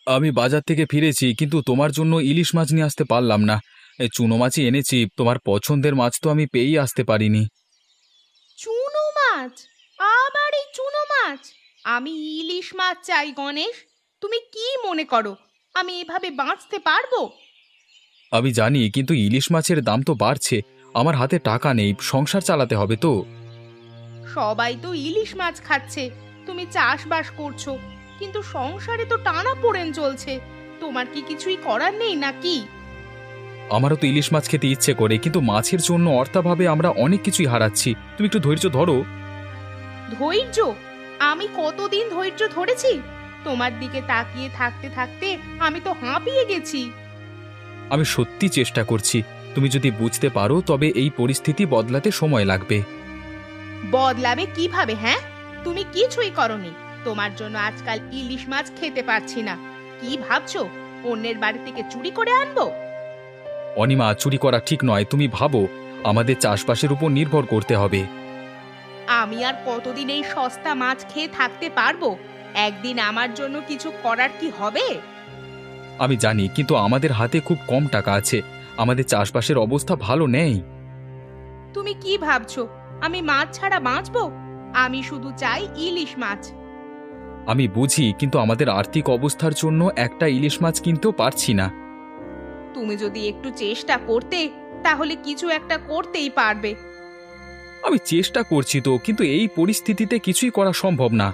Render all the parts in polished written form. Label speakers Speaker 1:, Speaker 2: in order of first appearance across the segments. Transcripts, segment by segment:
Speaker 1: আমি বাজার থেকে ফিরেছি, কিন্তু তোমার জন্য ইলিশ মাছ নিয়ে আসতে পারলাম না। এই চুনো মাছই এনেছি, তোমার পছন্দের মাছ তো আমি পেয়েই আসতে পারিনি।
Speaker 2: চুনো মাছ? আবার এই চুনো মাছ? আমি ইলিশ মাছ চাই গণেশ। তুমি কি মনে করো আমি এভাবে বাঁচতে পারবো?
Speaker 1: আমি জানি, কিন্তু ইলিশ মাছের দাম তো বাড়ছে। আমার হাতে টাকা নেই, সংসার চালাতে হবে তো।
Speaker 2: সবাই তো ইলিশ মাছ খাচ্ছে, তুমি চাষবাস করছো, কিন্তু সংসারে তো টানাপোড়েন চলছে। তোমার কি কিছুই করার নেই নাকি?
Speaker 1: আমারও তো ইলিশ মাছ খেতে ইচ্ছে করে, কিন্তু মাছের জন্য অর্থাভাবে আমরা অনেক কিছুই হারাচ্ছি। তুমি একটু ধৈর্য ধরো।
Speaker 2: ধৈর্য? আমি কতদিন ধৈর্য ধরেছি? তোমার দিকে তাকিয়ে থাকতে থাকতে আমি তো হাঁপিয়ে গেছি।
Speaker 1: আমি সত্যি চেষ্টা করছি। তুমি যদি বুঝতে পারো তবে এই পরিস্থিতি বদলাতে সময় লাগবে।
Speaker 2: বদলাবে কিভাবে? হ্যাঁ, তুমি কিছুই করনি। তোমার জন্য আজকাল ইলিশ মাছ খেতে পারছি না। কি ভাবছো অন্যের বাড়ি থেকে চুরি করে আনবো?
Speaker 1: অনিমা, চুরি করা ঠিক নয়। তুমি ভাবো, আমাদের চাষবাসের উপর নির্ভর করতে হবে।
Speaker 2: আমি আর কতদিন এই সস্তা মাছ খেয়ে থাকতে পারবো? একদিন আমার জন্য কিছু করার কি হবে?
Speaker 1: আমি জানি, কিন্তু আমাদের হাতে খুব কম টাকা আছে। আমাদের চাষবাসের অবস্থা ভালো নেই।
Speaker 2: তুমি কি ভাবছো আমি মাছ ছাড়া বাঁচবো? আমি শুধু চাই ইলিশ মাছ।
Speaker 1: আমি বুঝি, কিন্তু আমাদের আর্থিক অবস্থার জন্য একটা ইলিশ মাছ কিনতেও পারছি না।
Speaker 2: তুমি যদি একটু চেষ্টা করতে তাহলে কিছু একটা করতেই পারবে।
Speaker 1: আমি চেষ্টা করছি তো, কিন্তু এই পরিস্থিতিতে কিছুই করা সম্ভব না।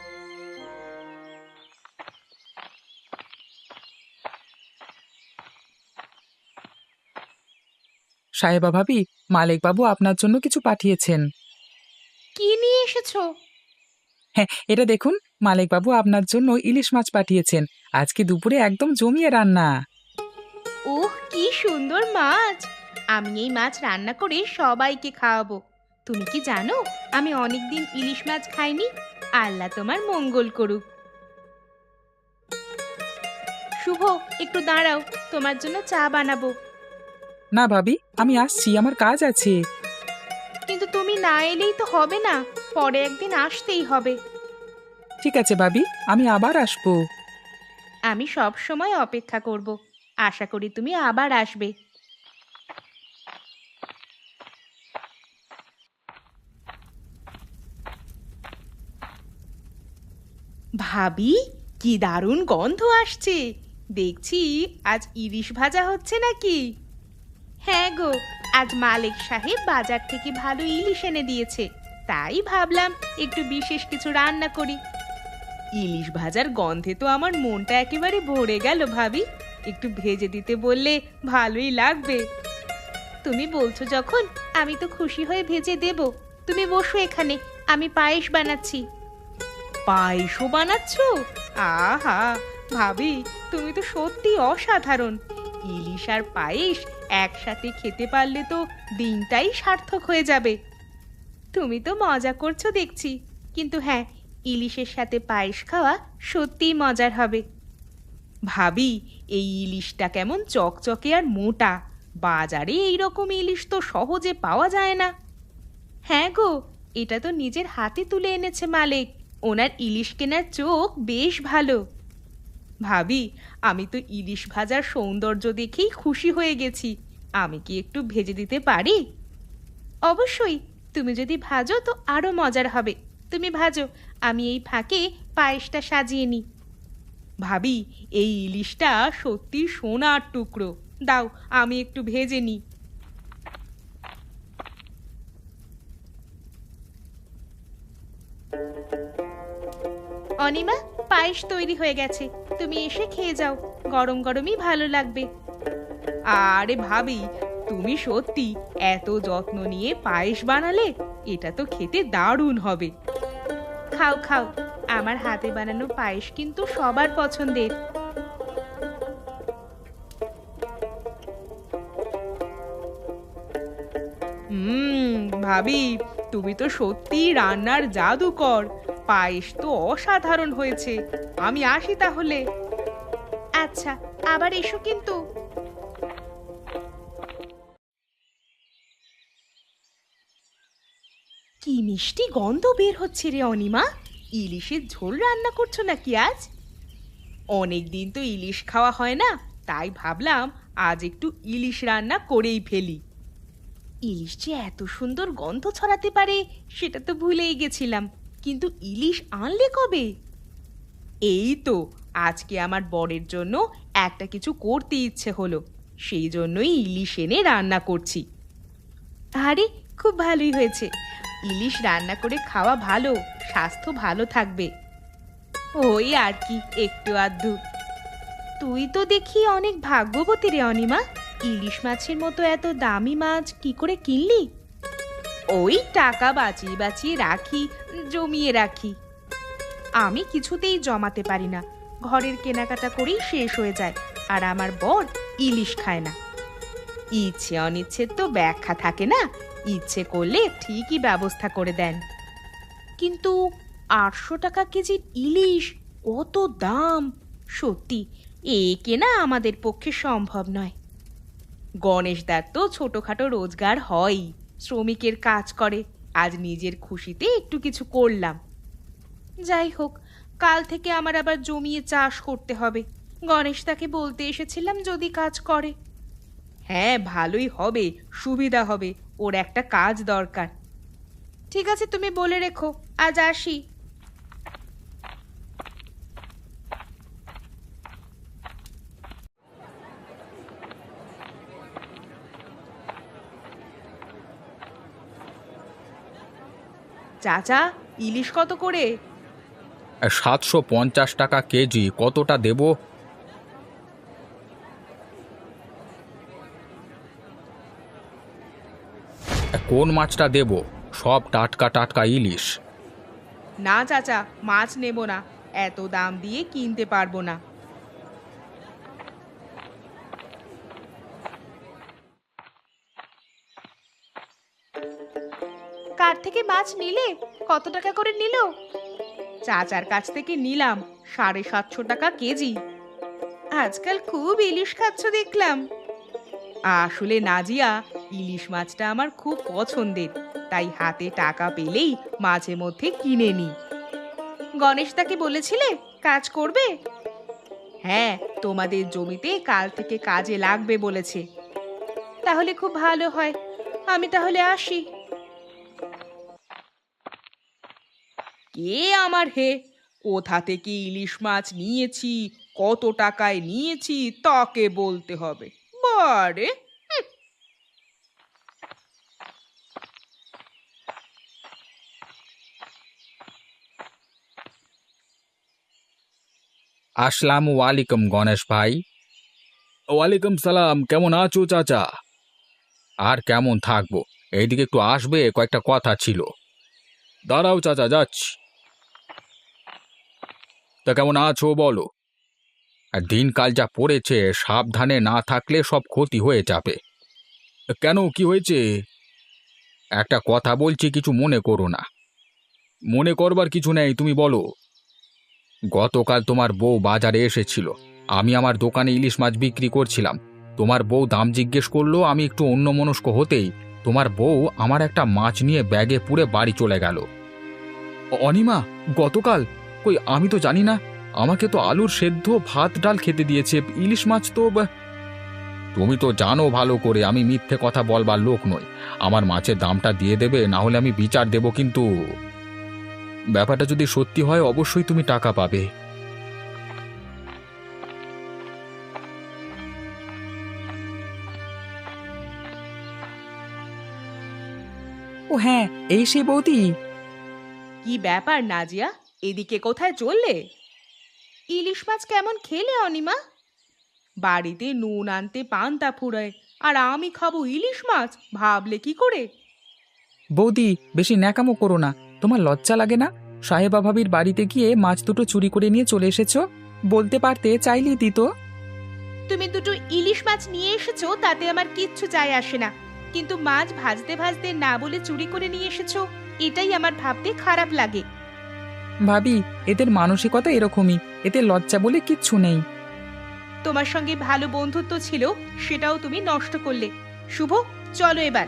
Speaker 3: সাহেবা ভাবি, মালিক বাবু আপনার জন্য কিছু পাঠিয়েছেন।
Speaker 2: কি নিয়ে এসেছো?
Speaker 3: হ্যাঁ, এটা দেখুন, মালিক বাবু আপনার জন্য ইলিশ মাছ পাঠিয়েছেন। আজকে দুপুরে একদম জমিয়ে রান্না।
Speaker 2: ওহ, কি সুন্দর মাছ! আমি এই মাছ রান্না করে সবাইকে খাওয়াবো। তুমি কি জানো আমি অনেকদিন ইলিশ মাছ খাইনি? আল্লাহ তোমার মঙ্গল করুক। শুভ, একটু দাঁড়াও, তোমার জন্য চা বানাবো।
Speaker 3: না ভাবি, আমি আসছি, আমার কাজ আছে।
Speaker 2: কিন্তু তুমি না এলেই তো হবে না, পরে একদিন আসতেই হবে।
Speaker 3: ঠিক আছে ভাবি, আমি আবার আসবো।
Speaker 2: আমি সব সময় অপেক্ষা করব। আশা করি তুমি আবার আসবে। ভাবি, কি দারুণ গন্ধ আসছে! দেখছি আজ ইলিশ ভাজা হচ্ছে নাকি? হ্যাঁ গো, আজ মালিক সাহেব বাজার থেকে ভালো ইলিশ এনে দিয়েছে। তাই ভাবলাম একটু বিশেষ কিছু রান্না করি। ইলিশ ভাজার গন্ধে তো আমার মনটা একেবারে ভরে গেল ভাবি। একটু ভেজে দিতে বললে ভালোই লাগবে। তুমি বলছো যখন, আমি তো খুশি হয়ে ভেজে দেব। তুমি বসো এখানে, আমি পায়েস বানাচ্ছি। পায়েসও বানাচ্ছো? আহা ভাবি, তুমি তো সত্যি অসাধারণ। ইলিশ আর পায়েস একসাথে খেতে পারলে তো দিনটাই সার্থক হয়ে যাবে। তুমি তো মজা করছো দেখছি, কিন্তু হ্যাঁ, ইলিশের সাথে পায়েস খাওয়া সত্যিই মজার হবে। ভাবি, এই ইলিশটা কেমন চকচকে আর মোটা! বাজারে এই রকম ইলিশ তো সহজে পাওয়া যায় না। হ্যাঁ গো, এটা তো নিজের হাতে তুলে এনেছে মালিক। ওনার ইলিশ কেনার চোখ বেশ ভালো। ভাবি, আমি তো ইলিশ ভাজার সৌন্দর্য দেখেই খুশি হয়ে গেছি। আমি কি একটু ভেজে দিতে পারি? অবশ্যই, তুমি যদি ভাজো তো আরো মজার হবে। তুমি ভাজো, আমি এই ফাঁকে পায়েসটা সাজিয়ে নিই। ভাবি, এই ইলিশটা সত্যি সোনার টুকরো। দাও, আমি একটু ভেজে নিই। অনিমা, পায়েস তৈরি হয়ে গেছে, তুমি এসে খেয়ে যাও। গরম গরমই ভালো লাগবে। আরে ভাবি, তুমি সত্যি এত যত্ন নিয়ে পায়েস বানালে। এটা তো খেতে দারুণ হবে। খাও খাও, আমার হাতে বানানো পায়েস কিন্তু সবার পছন্দের। ভাবি, তুমি তো সত্যি রান্নার জাদুকর। পায়েস তো অসাধারণ হয়েছে। আমি আসি তাহলে। আচ্ছা, আবার এসো কিন্তু। কি মিষ্টি গন্ধ বের হচ্ছে রে অনিমা! ইলিশের ঝোল রান্না করছো নাকি আজ? অনেক দিন তো ইলিশ খাওয়া হয় না, তাই ভাবলাম আজ একটু ইলিশ রান্না করেই ফেলি। ইলিশ যে এত সুন্দর গন্ধ ছড়াতে পারে সেটা তো ভুলেই গেছিলাম। কিন্তু ইলিশ আনলে কবে? এই তো আজকে আমার বরের জন্য একটা কিছু করতে ইচ্ছে হলো, সেই জন্যই ইলিশ এনে রান্না করছি। আরে খুব ভালোই হয়েছে, ইলিশ রান্না করে খাওয়া ভালো, স্বাস্থ্য ভালো থাকবে। ওই আর কি, একটু আধটু। তুই তো দেখি অনেক ভাগ্যবতী রে অনিমা, ইলিশ মাছের মতো এত দামি মাছ কি করে কিনলি? ওই টাকা বাঁচিয়ে বাঁচিয়ে রাখি, জমিয়ে রাখি। আমি কিছুতেই জমাতে পারি না, ঘরের কেনাকাটা করেই শেষ হয়ে যায়। আর আমার বর ইলিশ খায় না। ইচ্ছে অনিচ্ছের তো ব্যাখ্যা থাকে না, ইচ্ছে করলে ঠিকই ব্যবস্থা করে দেন। কিন্তু 800 টাকা কেজি ইলিশ, অত দাম! সত্যি এ কেনা আমাদের পক্ষে সম্ভব নয়। গণেশদার তো ছোটখাটো রোজগার হয়ই, শ্রমিকের কাজ করে, আজ নিজের খুশিতে একটু কিছু করলাম। যাই হোক, কাল থেকে আমার আবার জমিয়ে চাষ করতে হবে। গণেশদাকে বলতে এসেছিলাম যদি কাজ করে। হ্যাঁ, ভালোই হবে, সুবিধা হবে, ওর একটা কাজ দরকার। ঠিক আছে, তুমি বলে রেখো, আজ আসি। চাচা, ইলিশ কত করে?
Speaker 1: 750 টাকা কেজি, কতটা দেব? কোন মাছটা দেব? সব টাটকা টাটকা ইলিশ।
Speaker 2: না চাচা, মাছ নেব না, এত দাম দিয়ে কিনতে পারবো না। কার থেকে মাছ নিলে? কত টাকা করে নিল? চাচার কাছ থেকে নিলাম 750 টাকা কেজি। আজকাল খুব ইলিশ খাচ্ছ দেখলাম। আসলে নাজিয়া, ইলিশ মাছটা আমার খুব পছন্দের, তাই হাতে টাকা পেলেই মাঝে মধ্যে কিনে নিই। গণেশদাকে বলেছিলে কাজ করবে? হ্যাঁ, তোমাদের জমিতে কাল থেকে কাজে লাগবে বলেছে। তাহলে খুব ভালো হয়, আমি তাহলে আসি। কে আমার হে? কোথা থেকে ইলিশ মাছ নিয়েছি, কত টাকায় নিয়েছি তাকে বলতে হবে। বারে!
Speaker 1: আসসালামু আলাইকুম গণেশ ভাই। ওয়ালাইকুম সালাম, কেমন আছো চাচা? আর কেমন থাকবো, এইদিকে একটু আসবে, কয়েকটা কথা ছিল। দাঁড়াও চাচা, যাচ্ছি। তা কেমন আছো বলো? আর দিনকাল যা পড়েছে, সাবধানে না থাকলে সব ক্ষতি হয়ে যাবে। কেন, কি হয়েছে? একটা কথা বলছি, কিছু মনে করো না। মনে করবার কিছু নেই, তুমি বলো। গতকাল তোমার বউ বাজারে এসেছিল, আমি আমার দোকানে ইলিশ মাছ বিক্রি করছিলাম। তোমার বউ দাম জিজ্ঞেস করলো, আমি একটু অন্যমনস্ক হতেই তোমার বউ আমার একটা মাছ নিয়ে ব্যাগে পুরে বাড়ি চলে গেল। অনিমা, গতকাল? কই, আমি তো জানি না। আমাকে তো আলুর সেদ্ধ ভাত ডাল খেতে দিয়েছে, ইলিশ মাছ তো তুমি তো জানো ভালো করে আমি মিথ্যে কথা বলবার লোক নই। আমার মাছের দামটা দিয়ে দেবে, না হলে আমি বিচার দেব। কিন্তু ব্যাপারটা যদি সত্যি হয়, অবশ্যই তুমি টাকা পাবে।
Speaker 3: ও হ্যাঁ, এই সেই বৌদি।
Speaker 2: কি ব্যাপার নাজিয়া, এদিকে কোথায় চললে? ইলিশ মাছ কেমন খেলে অনিমা? বাড়িতে নুন আনতে পান্তা ফুরায়, আর আমি খাবো ইলিশ মাছ, ভাবলে কি করে?
Speaker 3: বৌদি, বেশি ন্যাকামো করো না। তোমার লজ্জা লাগে না? সাহেবা ভাবির বাড়িতে গিয়ে মাছ দুটো চুরি করে নিয়ে চলে এসেছো। বলতে পারতে, চাইলেই দিত।
Speaker 2: তুমি দুটো ইলিশ মাছ নিয়ে এসেছো তাতে আমার কিচ্ছু যায় আসে না, কিন্তু মাছ ভাজতে ভাজতে না বলে চুরি করে নিয়ে এসেছো, এটাই আমার ভাবতে খারাপ লাগে।
Speaker 3: ভাবি, এদের মানসিকতা এরকমই, এতে লজ্জা বলে কিচ্ছু নেই।
Speaker 2: তোমার সঙ্গে ভালো বন্ধুত্ব ছিল, সেটাও তুমি নষ্ট করলে। শুভ, চলো এবার।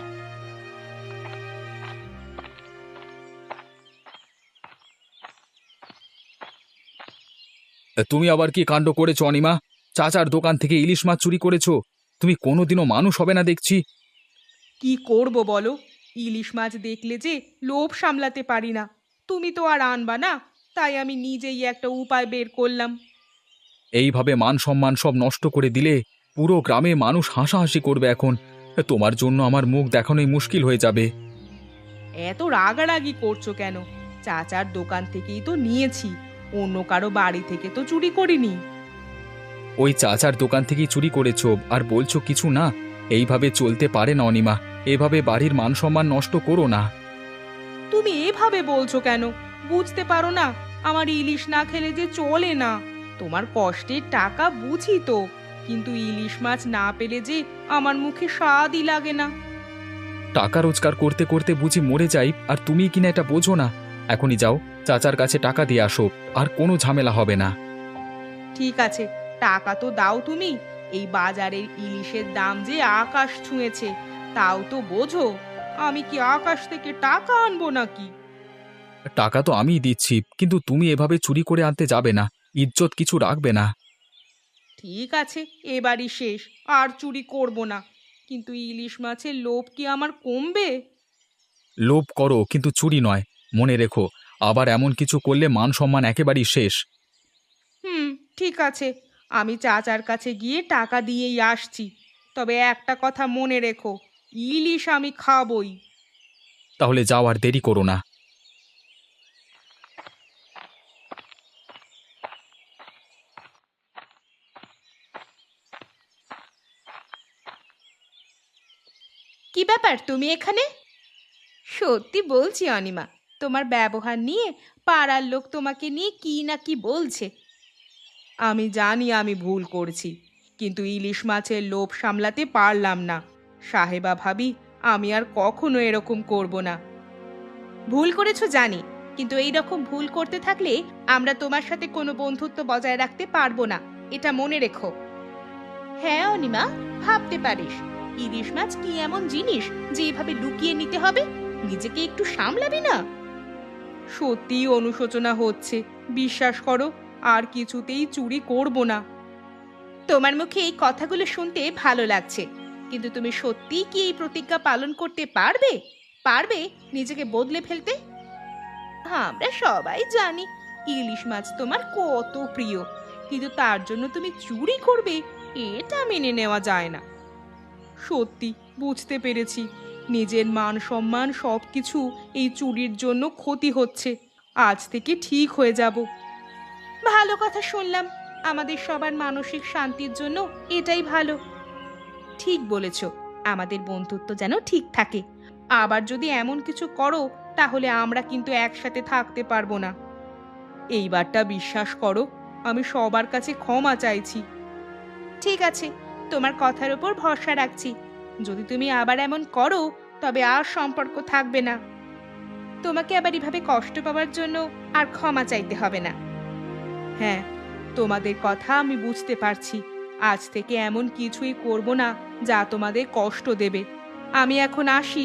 Speaker 1: তুমি আবার কি কাণ্ড করেছো অনিমা? চাচার দোকান থেকে ইলিশ মাছ চুরি করেছো? তুমি কোনোদিনও মানুষ হবে না দেখছি।
Speaker 2: কি করব বলো, ইলিশ মাছ দেখলে যে লোভ সামলাতে পারি না। তুমি তো আর আনবা না, তাই আমি নিজেই একটা উপায় বের করলাম।
Speaker 1: এইভাবে মান সম্মান সব নষ্ট করে দিলে পুরো গ্রামে মানুষ হাসাহাসি করবে এখন। তোমার জন্য আমার মুখ দেখানোই মুশকিল হয়ে যাবে।
Speaker 2: এত রাগারাগি করছো কেন? চাচার দোকান থেকেই তো নিয়েছি, অন্য কারো বাড়ি থেকে তো চুরি করিনি।
Speaker 1: ওই চাচার দোকান থেকেই চুরি করেছো আর বলছো কিছু না? এইভাবে চলতে পারে না অনিমা। এভাবে বাড়ির মান সম্মান নষ্ট করো না।
Speaker 2: তুমি এভাবে বলছো কেন? বুঝতে পারো না আমার ইলিশ না খেলে যে চলে না। তোমার কষ্টের টাকা বুঝি তো, কিন্তু ইলিশ মাছ না পেলে যে আমার মুখে স্বাদই লাগে না।
Speaker 1: টাকা রোজগার করতে করতে বুঝি মরে যাই, আর তুমি কিনা এটা বোঝো না। এখনই যাও, চাচার কাছে টাকা দিয়ে আসো, আর কোনো ঝামেলা হবে না।
Speaker 2: ঠিক আছে, টাকা তো দাও তুমি। এই বাজারের ইলিশের দাম যে আকাশ ছুঁয়েছে, তাও তো বোঝো। আমি কি আকাশ থেকে টাকা আনবো নাকি?
Speaker 1: টাকা তো আমিই দিচ্ছি, কিন্তু তুমি এভাবে চুরি করে আনতে যাবে না। ইজ্জত কিছু রাখবে না।
Speaker 2: ঠিক আছে, এবারই শেষ, আর চুরি করব না। কিন্তু ইলিশ মাছের লোভ কি আমার কমবে?
Speaker 1: লোভ করো, কিন্তু চুরি নয়। মনে রেখো, আবার এমন কিছু করলে মান সম্মান একেবারেই শেষ।
Speaker 2: হুম, ঠিক আছে, আমি চাচার কাছে গিয়ে টাকা দিয়েই আসছি। তবে একটা কথা মনে রেখো, ইলিশ আমি খাবই।
Speaker 1: তাহলে যাও, আর দেরি করো না।
Speaker 2: কি ব্যাপার, তুমি এখানে? সত্যি বলছি অনিমা, তোমার ব্যবহার নিয়ে পাড়ার লোক তোমাকে নিয়ে কি না কি বলছে। আমি জানি আমি ভুল করছি, কিন্তু ইলিশ মাছের লোভ সামলাতে পারলাম না। সাহেবা ভাবি, আমি আর কখনো এরকম করব না। ভুল করেছো জানি, কিন্তু এই রকম ভুল করতে থাকলে আমরা তোমার সাথে কোনো বন্ধুত্ব বজায় রাখতে পারবো না, এটা মনে রেখো। হ্যাঁ অনিমা, ভাবতে পারিস, ইলিশ মাছ কি এমন জিনিস যে এভাবে লুকিয়ে নিতে হবে? নিজেকে একটু সামলাবি না? সত্যি অনুশোচনা হচ্ছে, বিশ্বাস করো, আর কিছুতেই চুরি করব না। তোমার মুখে এই কথাগুলো শুনতে ভালো লাগছে, কিন্তু তুমি সত্যিই কি এই প্রতিজ্ঞা পালন করতে পারবে? পারবে নিজেকে বদলে ফেলতে? আমরা সবাই জানি ইলিশ মাছ তোমার কত প্রিয়, কিন্তু তার জন্য তুমি চুরি করবে, এটা মেনে নেওয়া যায় না। সত্যি বুঝতে পেরেছি, নিজের মান সম্মান সবকিছু এই চুরির জন্য ক্ষতি হচ্ছে। আজ থেকে ঠিক হয়ে যাব। ভালো কথা শুনলাম, আমাদের সবার মানসিক শান্তির জন্য এটাই ভালো। ঠিক বলেছ, আমাদের বন্ধুত্ব যেন ঠিক থাকে। আবার যদি এমন কিছু করো, তাহলে আমরা কিন্তু একসাথে থাকতে পারবো না। এইবারটা বিশ্বাস করো, আমি সবার কাছে ক্ষমা চাইছি। ঠিক আছে, তোমার কথার উপর ভরসা রাখছি। যদি তুমি আবার এমন করো, তবে আর সম্পর্ক থাকবে না। তোমাকে আবার এভাবে কষ্ট পাওয়ার জন্য আর ক্ষমা চাইতে হবে না। হ্যাঁ, তোমাদের কথা আমি বুঝতে পারছি। আজ থেকে এমন কিছুই করব না যা তোমাদের কষ্ট দেবে। আমি এখন আসি।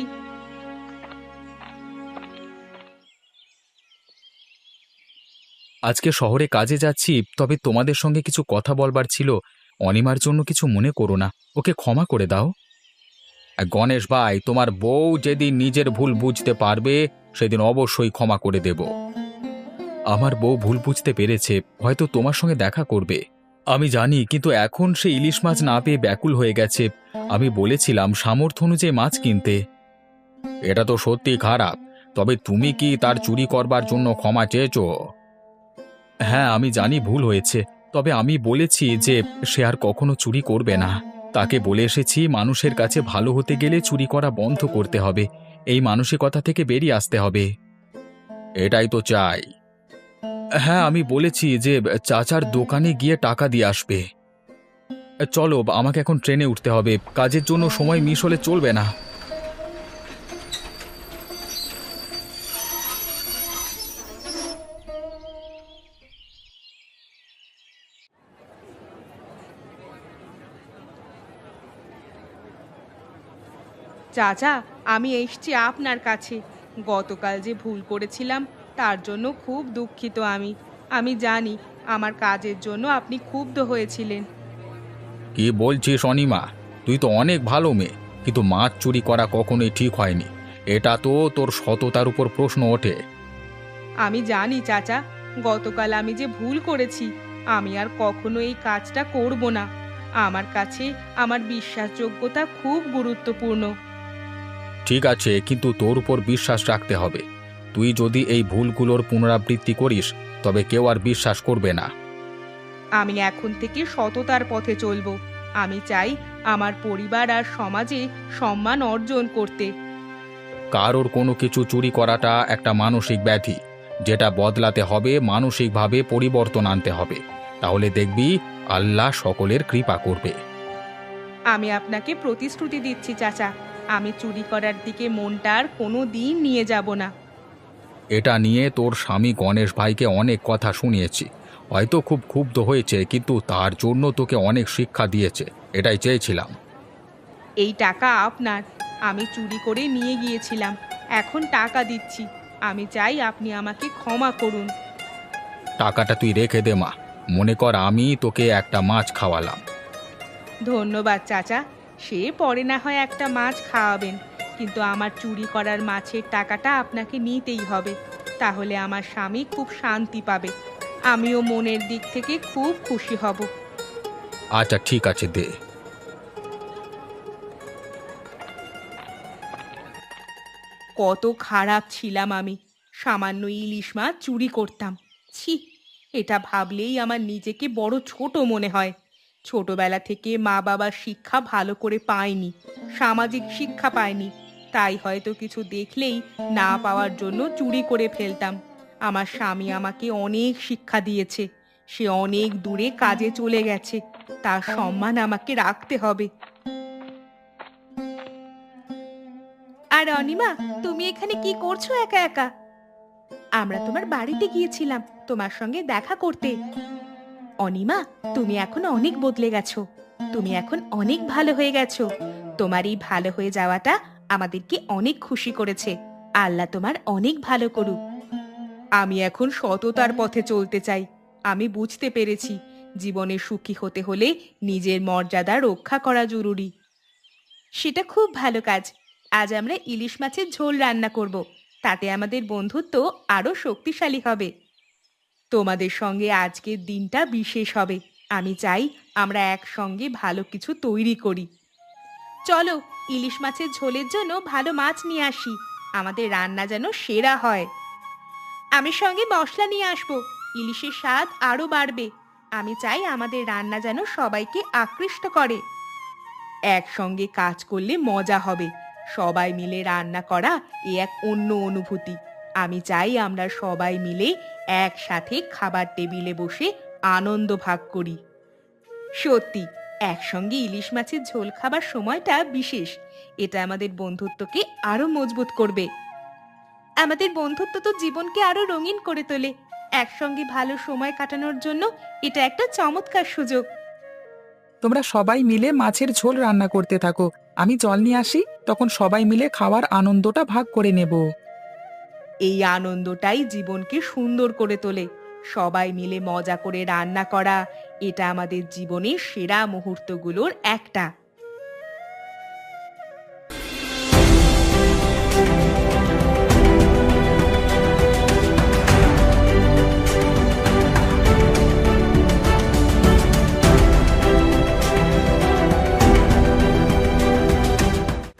Speaker 1: আজকে শহরে কাজে যাচ্ছি, তবে তোমাদের সঙ্গে কিছু কথা বলবার ছিল। অনিমার জন্য কিছু মনে করো না, ওকে ক্ষমা করে দাও। গণেশ ভাই, তোমার বউ যেদিন নিজের ভুল বুঝতে পারবে, সেদিন অবশ্যই ক্ষমা করে দেব। আমার বউ ভুল বুঝতে পেরেছে, হয়তো তোমার সঙ্গে দেখা করবে। আমি জানি, কিন্তু এখন সে ইলিশ মাছ না পেয়ে ব্যাকুল হয়ে গেছে। আমি বলেছিলাম সামর্থ্য অনুযায়ী মাছ কিনতে। এটা তো সত্যি খারাপ, তবে তুমি কি তার চুরি করবার জন্য ক্ষমা চেয়েছো? হ্যাঁ, আমি জানি ভুল হয়েছে, তবে আমি বলেছি যে সে আর কখনো চুরি করবে না। তাকে বলে এসেছি মানুষের কাছে ভালো হতে গেলে চুরি করা বন্ধ করতে হবে, এই মানসিকতা থেকে বেরিয়ে আসতে হবে। এটাই তো চাই। হ্যাঁ, আমি বলেছি যে চাচার দোকানে গিয়ে টাকা দিয়ে আসবে। চলো, আমাকে এখন ট্রেনে উঠতে হবে, কাজের জন্য সময় মিস হলে চলবে না।
Speaker 2: চাচা, আমি এসছি আপনার কাছে। গতকাল যে ভুল করেছিলাম, তার জন্য খুব দুঃখিত আমি। আমি জানি আমার কাজের জন্য আপনি ক্ষুব্ধ হয়েছিলেন।
Speaker 1: কি বলছিস অনিমা? তুই তো অনেক ভালো মেয়ে, কিন্তু মাছ চুরি করা কখনোই ঠিক হয়নি। এটা তো তোর সততার উপর প্রশ্ন ওঠে।
Speaker 2: আমি জানি চাচা, গতকাল আমি যে ভুল করেছি, আমি আর কখনো এই কাজটা করব না। আমার কাছে আমার বিশ্বাসযোগ্যতা খুব গুরুত্বপূর্ণ।
Speaker 1: ঠিক আছে, কিন্তু তোর উপর বিশ্বাস রাখতে হবে। তুই যদি এই ভুলগুলোর পুনরাবৃত্তি করিস, তবে কেউ আর বিশ্বাস করবে না।
Speaker 2: আমি এখন থেকে সততার পথে চলবো। আমি চাই আমার পরিবার আর সমাজে সম্মান অর্জন করতে।
Speaker 1: কারোর কোনো কিছু চুরি করাটা একটা মানসিক ব্যাধি, যেটা বদলাতে হবে, মানসিকভাবে পরিবর্তন আনতে হবে। তাহলে দেখবি আল্লাহ সকলের কৃপা করবে।
Speaker 2: আমি আপনাকে প্রতিশ্রুতি দিচ্ছি চাচা, আমি চুরি করার দিকে মনটা আর কোনো দিন নিয়ে যাব না।
Speaker 1: এটা নিয়ে তোর স্বামী গণেশ ভাইকে অনেক কথা শুনিয়েছি। হয়তো খুব ক্ষুব্ধ হয়েছে, কিন্তু তার জন্য তোকে অনেক শিক্ষা দিয়েছে। এটাই চেয়েছিলাম।
Speaker 2: এই টাকা আপনার, আমি চুরি করে নিয়ে গিয়েছিলাম, এখন টাকা দিচ্ছি। আমি চাই আপনি আমাকে ক্ষমা করুন।
Speaker 1: টাকাটা তুই রেখে দে মা। মনে কর আমি তোকে একটা মাছ খাওয়ালাম।
Speaker 2: ধন্যবাদ চাচা, সে পরে না হয় একটা মাছ খাওয়াবেন, কিন্তু আমার চুরি করার মাছের টাকাটা আপনাকে নিতেই হবে। তাহলে আমার স্বামী খুব শান্তি পাবে, আমিও মনের দিক থেকে খুব খুশি হব।
Speaker 1: আচ্ছা ঠিক আছে, দে।
Speaker 2: কত খারাপ ছিলাম আমি, সামান্য ইলিশ মাছ চুরি করতাম। ছি, এটা ভাবলেই আমার নিজেকে বড় ছোট মনে হয়। ছোটবেলা থেকে মা বাবার শিক্ষা ভালো করে পাইনি, সামাজিক শিক্ষা পাইনি, তাই হয়তো কিছু দেখলেই না পাওয়ার জন্য চুরি করে ফেলতাম। আমার স্বামী আমাকে অনেক শিক্ষা দিয়েছে, সে অনেক দূরে কাজে চলে গেছে, তার সম্মান আমাকে রাখতে হবে। আর অনিমা, তুমি এখানে কি করছো একা একা? আমরা তোমার বাড়িতে গিয়েছিলাম তোমার সঙ্গে দেখা করতে। অনিমা, তুমি এখন অনেক বদলে গেছো, তুমি এখন অনেক ভালো হয়ে গেছো। তোমার এই ভালো হয়ে যাওয়াটা আমাদেরকে অনেক খুশি করেছে। আল্লাহ তোমার অনেক ভালো করুক। আমি এখন সততার পথে চলতে চাই। আমি বুঝতে পেরেছি জীবনে সুখী হতে হলে নিজের মর্যাদা রক্ষা করা জরুরি। সেটা খুব ভালো কাজ। আজ আমরা ইলিশ মাছের ঝোল রান্না করব, তাতে আমাদের বন্ধুত্ব আরো শক্তিশালী হবে। তোমাদের সঙ্গে আজকের দিনটা বিশেষ হবে। আমি চাই আমরা একসঙ্গে ভালো কিছু তৈরি করি। চলো, ইলিশ মাছের ঝোলের জন্য ভালো মাছ নিয়ে আসি, আমাদের রান্না যেন সেরা হয়। আমি সঙ্গে মশলা নিয়ে আসবো, ইলিশের স্বাদ আরো বাড়বে। আমি চাই আমাদের রান্না যেন সবাইকে আকৃষ্ট করে। একসঙ্গে কাজ করলে মজা হবে, সবাই মিলে রান্না করা এ এক অন্য অনুভূতি। আমি চাই আমরা সবাই মিলে একসাথে খাবার টেবিলে বসে আনন্দ ভাগ করি। সত্যি, একসঙ্গে ইলিশ মাছের ঝোল খাবার সময়টা বিশেষ। এটা আমাদের বন্ধুত্বকে আরো মজবুত করবে। আমাদের বন্ধুত্ব তো জীবনকে আরো রঙিন করে তোলে। একসঙ্গে ভালো সময় কাটানোর জন্য এটা একটা চমৎকার সুযোগ।
Speaker 3: তোমরা সবাই মিলে মাছের ঝোল রান্না করতে থাকো, আমি জল নিয়ে আসি, তখন সবাই মিলে খাওয়ার আনন্দটা ভাগ করে নেব।
Speaker 2: এই আনন্দটাই জীবনকে সুন্দর করে তোলে। সবাই মিলে মজা করে রান্না করা, এটা আমাদের জীবনের সেরা মুহূর্তগুলোর একটা।